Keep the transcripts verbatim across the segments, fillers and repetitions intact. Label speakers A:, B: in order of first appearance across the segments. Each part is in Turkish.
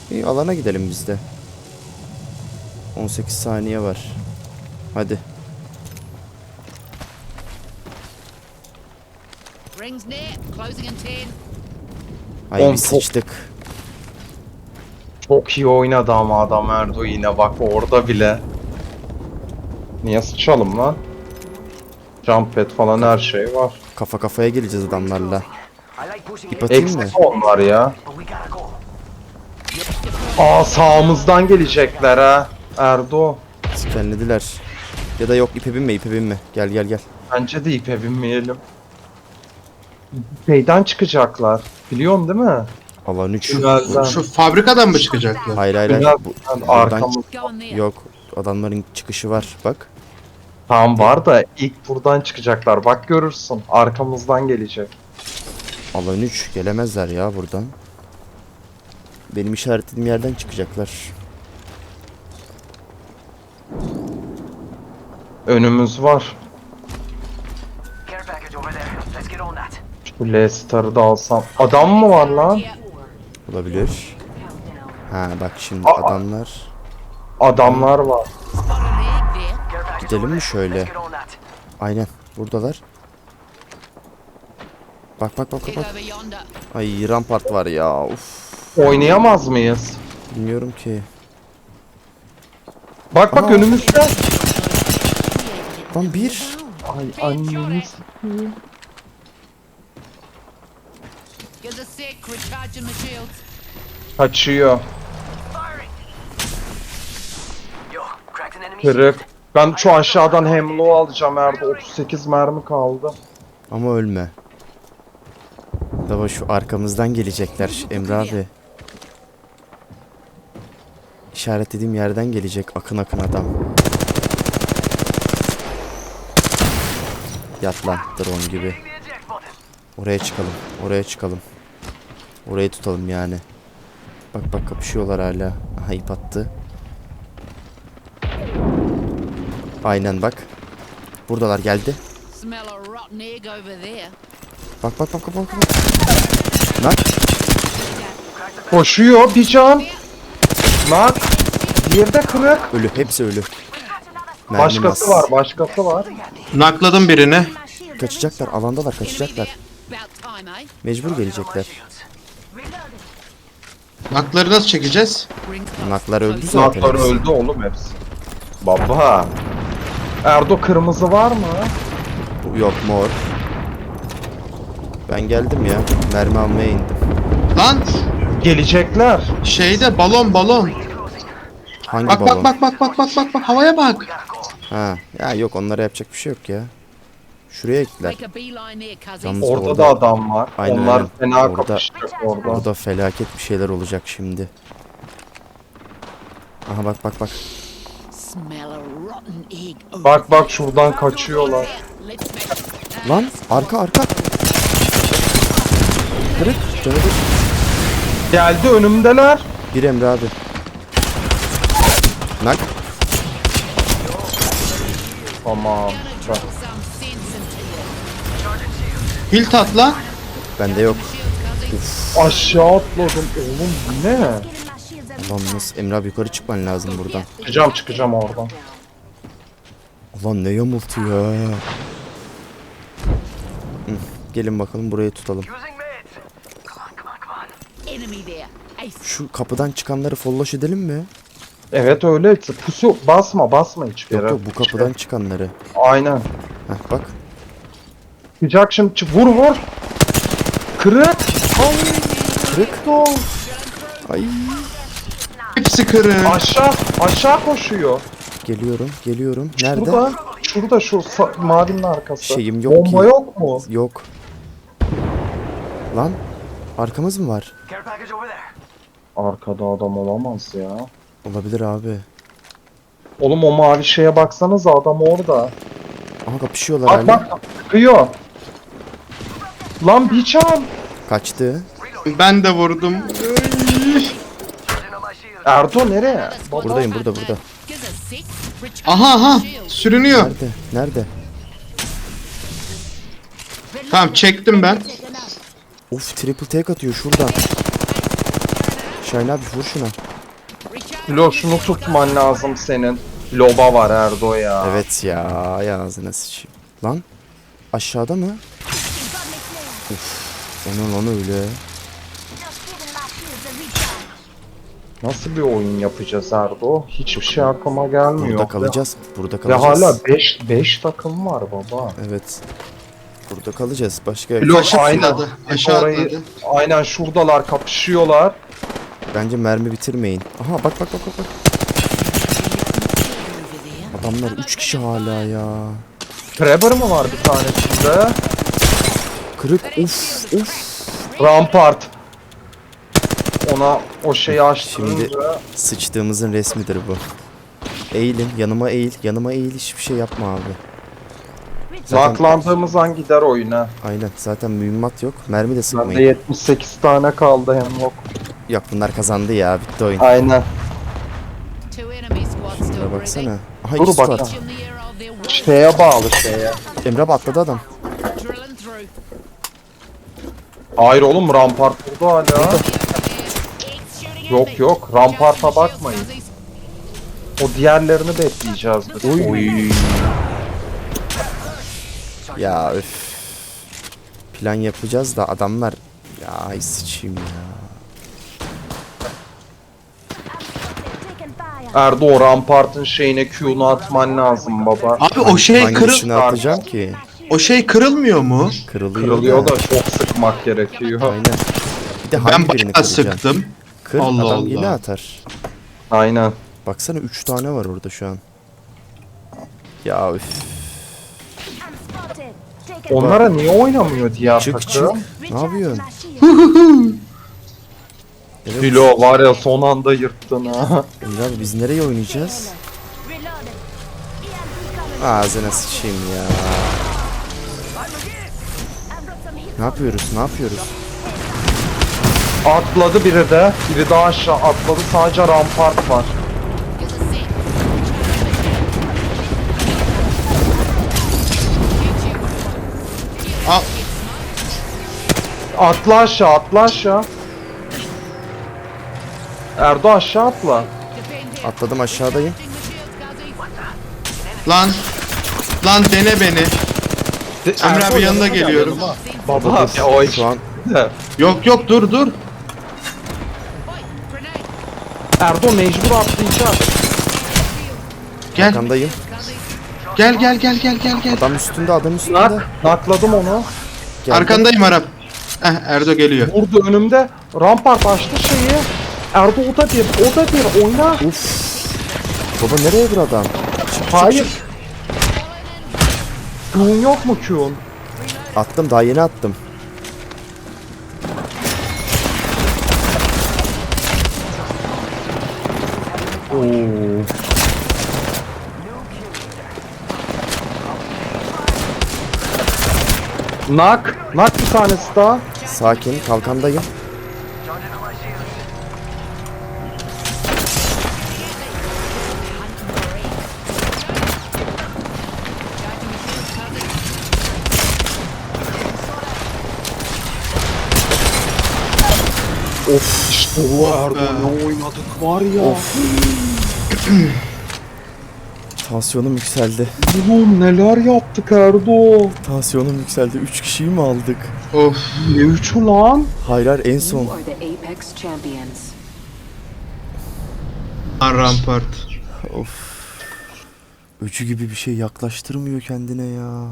A: İyi, alana gidelim biz de. on sekiz saniye var. Hadi.
B: Rings near, closing in ten.
A: Ay
C: On
A: biz
C: top.
A: sıçtık.
C: Çok iyi oynadı ama adam Erdo yine bak orada bile. Niye sıçalım lan? Jump pad falan her şey var.
A: Kafa kafaya geleceğiz adamlarla. İp atayım mı?
C: Eksik onlar ya. Aa sağımızdan gelecekler ha. Erdo.
A: Skenlediler. Ya da yok, ipe binme, ipe binme. Gel gel gel.
C: Bence de ipe binmeyelim. Şeyden çıkacaklar. Biliyorsun değil mi?
A: Alan üç.
C: Tünelden.
D: Şu fabrikadan mı çıkacaklar?
A: Hayır hayır hayır.
C: Tünel
A: Bu,
C: yani
A: buradan
C: arkamız.
B: Go in there.
A: yok. Adamların çıkışı var. Bak.
C: Tam var da ilk buradan çıkacaklar. Bak görürsün. Arkamızdan gelecek.
A: Alan üç. Gelemezler ya buradan. Benim işaretlediğim yerden çıkacaklar.
C: Önümüz var.
E: Care package over there. Let's get on that.
C: Şu Leicester'ı da alsam. Adam mı var lan?
B: Here.
A: Olabilir. Ha bak şimdi
C: Aa.
A: adamlar.
C: Adamlar var.
B: Spot an egg there.
E: Care package
A: Gidelim
E: over
A: mi
E: there.
A: şöyle?
E: Let's get on that.
A: Aynen. Buradalar. Bak bak bak bak.
B: Head
A: bak.
B: over yonder.
A: Ay rampart var ya. Uf.
C: Oynayamaz mıyız?
A: Bilmiyorum ki.
C: Bak bak
A: Aa.
C: önümüzde.
A: Lan bir.
C: Ay annemiz.
B: Gives a sec, recharging my shields.
C: Kaçıyor.
E: Firing. Yo, cracked an enemy.
C: Kırık. Ben şu aşağıdan Hemlock'u alacağım Erdo. otuz sekiz mermi kaldı.
A: Ama ölme. Dava şu arkamızdan gelecekler Emre abi. İşaretlediğim yerden gelecek akın akın adam. Yat lan drone gibi.
E: Hitting the eject button.
A: Oraya çıkalım. Oraya çıkalım. Orayı tutalım yani. Bak bak kapışıyorlar hala. Aha ip attı. Aynen bak. Buradalar geldi.
B: Smell a rotten egg over there.
A: Bak bak bak bak bak. bak. Lan
C: Koşuyor bir can. Nak. Diğeri de kırık.
A: ölü. Hepsi ölü. Mermi
C: Başkası
A: mas.
C: var, başkası var.
D: Nakladım birini.
A: Kaçacaklar. Alandalar
B: Enemy
A: kaçacaklar.
B: there. About time, eh?
A: Mecbur gelecekler.
D: Nakları nasıl çekeceğiz?
B: Rings close.
A: Naklar öldü
B: Close.
A: zaten.
C: Naklar öldü oğlum hepsi. Baba. Erdo kırmızı var mı?
A: Yok mor. Ben geldim ya. Mermi almaya indim.
D: Lan
C: Gelecekler.
D: şeyde balon balon.
A: Hangi
D: Bak
A: balon?
D: bak bak bak bak bak bak bak havaya bak.
A: Ha. Ya yok, onlara yapacak bir şey yok ya. Şuraya gittiler.
B: Make a beeline there, cousins.
A: Yalnız
C: Orada
A: orada-
C: da adam var.
A: Aynen,
C: Onlar
A: aynen.
C: fena
A: Orada-
C: kapışacak orada.
A: Burada felaket bir şeyler olacak şimdi. Aha bak bak bak.
B: Smell a rotten egg over
C: Bak bak şuradan kaçıyorlar.
B: there. Let's smash it.
A: Lan arka arka. Kırık. Canı bir.
C: Geldi önümdeler.
A: Bir Emre abi. Nak.
C: Tamam.
B: Drill some sense into you.
D: Hilt atla.
A: Bende yok.
B: Shields, cousins.
C: Aşağı atladım. Oğlum bu ne?
A: Ulan nasıl? Emre abi yukarı çıkman lazım buradan.
C: Çıkacağım çıkacağım oradan.
A: Ulan ne yamultu ya. Hı, gelin bakalım burayı tutalım.
E: Using meds. Come on, come on, come on.
B: Enemy there. Ace.
A: Şu kapıdan çıkanları folloş edelim mi?
C: Evet öyle. Pusu basma basma hiçbir
A: Yok
C: yere.
A: yok, bu kapıdan çıkanları.
C: Aynen.
A: Heh bak.
C: Çıkacak şimdi. Çık- Vur vur. Kırık.
A: Kırık. Ay.
D: Hepsi kırık.
C: Aşağı aşağı koşuyor.
A: Geliyorum geliyorum. Nerede?
C: Şurada. Şurada şu sa- mavinin arkası.
A: Şeyim yok
C: Bomba
A: ki.
C: yok mu?
A: Yok. Lan arkamız mı var?
E: Care package over there.
C: Arkada adam olamaz ya.
A: Olabilir abi.
C: Oğlum o mavi şeye baksanıza adam orada.
A: Aha kapışıyorlar
C: Bak
A: hala.
C: bak sıkıyor. Lan bir can.
A: Kaçtı.
D: Ben de vurdum.
E: Charging on my shield.
C: Erdo nereye?
A: Buradayım, burada, burada.
B: Gives a sec, recharging
D: Aha aha
B: my shields.
D: sürünüyor.
A: Nerede? Nerede?
D: Tamam çektim ben.
A: Of, triple take atıyor şuradan. Şahin abi vur şuna.
C: Lo şunu tutman lazım senin. Loba var Erdo ya.
A: Evet ya, ay ağzına sıçayım. Lan aşağıda mı? Uf, onun onu öyle.
C: Nasıl bir oyun yapacağız Erdo? Hiçbir şey aklıma gelmiyor.
A: Burada kalacağız. Burada
C: Ve
A: kalacağız.
C: hala beş beş takım var baba.
A: Evet. Burada kalacağız. Başka
C: Lo
D: Aşağı
C: aynen.
D: atladı. Aşağı
C: Orayı,
D: atladı.
C: aynen şuradalar kapışıyorlar.
A: bence mermi bitirmeyin. Aha bak bak bak bak. bak. Adamlar üç kişi hala ya.
C: Trevor mı var bir tanesinde?
A: Kırık. Uf uf.
C: Rampart. Ona o şeyi açtığında
A: Şimdi sıçtığımızın resmidir bu. Eğilin. Yanıma eğil. Yanıma eğil. Hiçbir şey yapma abi. Zaten,
C: naklandığımız an gider oyuna.
A: aynen. Zaten mühimmat yok. Mermi de
C: Bende
A: sıkmayın.
C: yetmiş sekiz tane kaldı hem yok.
A: Yok bunlar kazandı ya. Bitti oyun.
C: Aynen.
B: Two enemy squads still
A: Şuna
B: breathing.
A: baksana. Aha
C: Dur
A: ikisi
C: bak.
A: var.
B: Each in the year of their war,
C: Şeye bağlı şeye.
A: Emre abi atladı adam.
B: drilling through.
C: Hayır oğlum rampart burada hala.
B: It's shooting at
C: Yok
B: me.
C: yok ramparta
B: Charging
C: bakmayın.
B: shields,
C: O diğerlerini bekleyeceğiz biz. Oy.
A: Ya üf. Plan yapacağız da adamlar. Ya ay sıçayım ya.
C: Erdo o rampartın şeyine Q'nu atman lazım baba.
D: Abi o şey
A: Hangisini
D: kırıl
A: atacağım ki?
D: o şey kırılmıyor mu?
A: Kırılıyor,
C: Kırılıyor
A: da.
C: da çok sıkmak gerekiyor.
A: Aynen. Bir de hangi
D: Ben
A: birini
D: bayağı
A: kıracaksın?
D: sıktım.
A: Kır
D: Allah
A: adam
D: Allah.
A: yine atar.
C: Aynen.
A: Baksana üç tane var orada şu an. Ya üf.
C: Onlara niye oynamıyor diğer
A: Çık çık.
C: takım?
A: Ne yapıyorsun? Evet.
C: Filo var ya son anda yırttın ha.
A: Emre abi biz nereye oynayacağız? Ağzına sıçayım ya. Ne yapıyoruz? Ne yapıyoruz?
C: Atladı biri de. Biri daha aşağı atladı. Sadece rampart var.
B: Get the set.
D: Al.
C: Atla aşağı atla aşağı. Erdo aşağı atla.
B: Defend here.
A: Atladım aşağıdayım.
B: Shooting the shields, Guzzy.
D: Lan. Lan dene beni. Emre abi yanına geliyorum.
C: Baba ya o
A: Şu an
D: Yok yok dur dur.
B: Oi, grenade.
C: Erdo mecbur atlayacak.
D: Gel
A: arkandayım.
B: Guzzy.
D: gel gel gel gel gel gel.
A: Adam üstünde, adam üstünde.
C: Nak, nakladım onu.
A: Geldi.
D: Arkandayım Arap. Eh Erdo geliyor.
C: Vurdu önümde. Rampart açtı şeyi. Erdo o da bir, o da bir oyna.
A: Uf. Baba nereye vur adam?
C: Hayır. Q'un yok mu Q'un?
A: Attım, daha yeni attım.
C: Oo. Nak, nak bir tanesi daha.
A: Sakin, kalkandayım.
C: Of işte bu Erdo ne oynadık var ya.
A: Tansiyonum yükseldi.
C: Oğlum neler yaptık Erdo.
A: Tansiyonum yükseldi. üç kişiyi mi aldık?
D: Of.
C: Ne üçü lan?
A: Hayır hayır, en son.
F: You are the Apex champions.
D: Lan rampart.
A: Of. Öcü gibi bir şey yaklaştırmıyor kendine ya.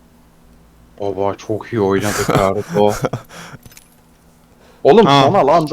C: Baba çok iyi oynadık Erdo. Oğlum
D: Ha.
C: son alanda